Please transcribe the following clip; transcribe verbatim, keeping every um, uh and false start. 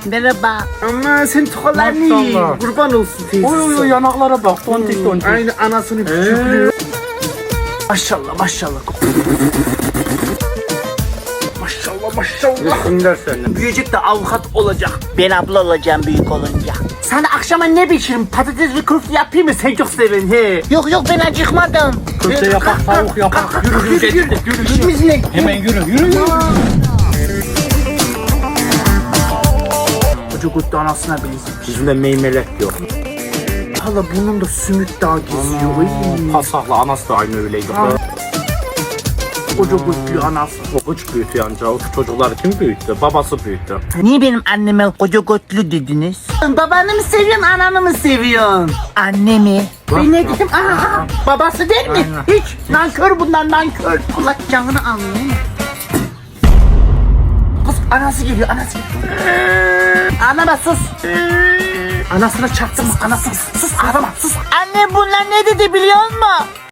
Merhaba. Ama sen tokalarını yiyin. Maşallah. Kurban olsun teyzesi. Oy oy oy yanaklara bak. Tontik tontik. Aynı anasını küçüklüyor. Maşallah maşallah. Maşallah maşallah. Resimler senin. Büyüyecek de avukat olacak. Ben abla olacağım büyük olunca. Sana akşama ne pişiririm? Patates ve köfte yapayım mı? Sen çok seven he. Yok yok ben acıkmadım. Köfte yapak, tavuk yapak. Yürü yürü yürü. Yürü yürü. İşimiz ne? Hemen yürü yürü yürü. Koca kutlu anasına benziyor. Bizde meymelek yok. Hala bunun da sümük daha geziyor. Ay. Pasakla anası da aynı öyleydi. Koca kutlu anası. O güç büyütü anca. O çocukları kim büyüttü? Babası büyüttü. Niye benim anneme koca götlü dediniz? Babanı mı seviyorsun, ananı mı seviyorsun? Annemi. Ben ne dedim? Aa, babası değil mi? Aynen. Hiç. Nankör bunlar, nankör. Allah canını almıyor. Kız anası geliyor, anası geliyor. Anama sus. Anasına çarptın mı? Anasına sus, ağlama, sus. Anne bunlar ne dedi biliyor musun?